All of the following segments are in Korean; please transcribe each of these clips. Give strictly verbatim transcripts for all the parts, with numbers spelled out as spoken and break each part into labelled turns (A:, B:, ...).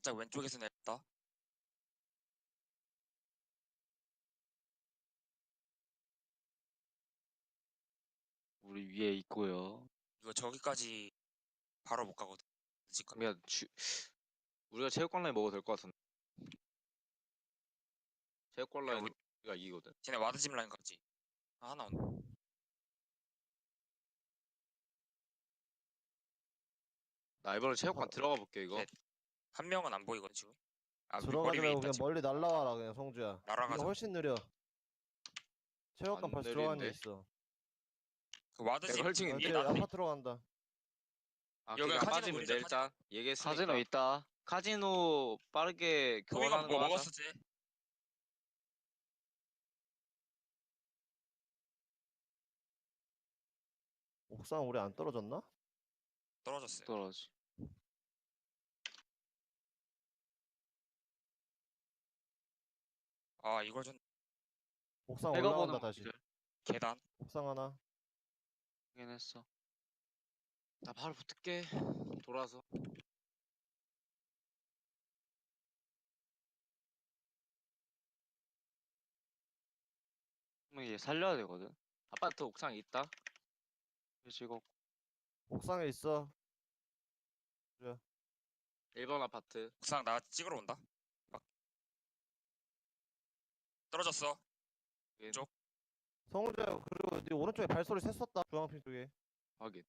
A: 살짝 왼쪽에서 냈다.
B: 우리 위에 있고요.
A: 이거 저기까지 바로 못 가거든. 늦을 거면.
B: 그러면 주... 우리가 체육관 라인 먹어도 될 것 같은데. 체육관
A: 야,
B: 라인
A: 우리,
B: 우리가 이기거든.
A: 쟤네 와드짐 라인까지. 아, 하나 온다.
B: 나 이번에 체육관
C: 아,
B: 들어가 볼게 이거.
A: 셋. 한 명은 안 보이거든 지금. 아, 위- 머리
C: 들어가지
A: 위에
C: 말고
A: 있다
C: 그냥
A: 지금.
C: 멀리 날라와라 그냥 성주야. 네가
A: 날아가자.
C: 훨씬 느려. 체육관
B: 안
C: 벌써 들어간 애
B: 느린데?
C: 있어.
A: 그 와드짐
B: 내가 헐칭
A: 지금
C: 아,
A: 위에
C: 쟤
B: 있는데?
A: 나한테.
C: 아파트로 간다.
B: 아
A: 여기
B: 그니까
A: 카지노
B: 빠지면
A: 노리자,
B: 돼 일단.
A: 카지노.
B: 얘기했으니까.
D: 카지노 있다.
B: 카지노 빠르게
A: 토미가
B: 교환하는
A: 뭐
B: 거 하자.
A: 먹었어 쟤?
C: 옥상 우리 안 떨어졌나?
A: 떨어졌어요.
D: 떨어지.
A: 아, 이걸 좀
C: 옥상
D: 내가 보는
C: 올라온다
D: 거
C: 다시.
D: 기절.
A: 계단.
C: 옥상 하나.
D: 확인했어.
B: 나 바로 붙을게. 돌아서.
D: 그러면 얘 살려야 되거든.
B: 아파트 옥상 있다.
D: 찍어.
C: 옥상에 있어.
B: 일 번 아파트.
A: 옥상 나 찍으러 온다. 막. 떨어졌어. 왼쪽.
C: 성주야 그리고 네 오른쪽에 발소리 셌었다. 주황핀 쪽에.
B: 확인.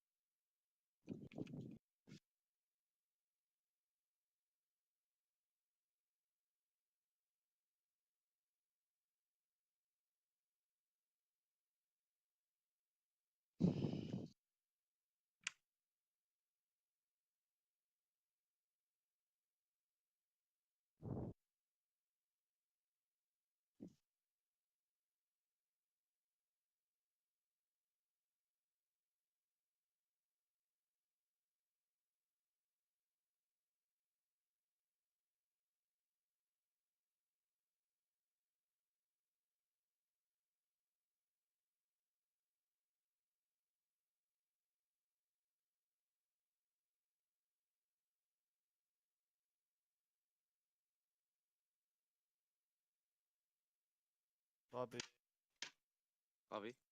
C: 바비.
B: 까비.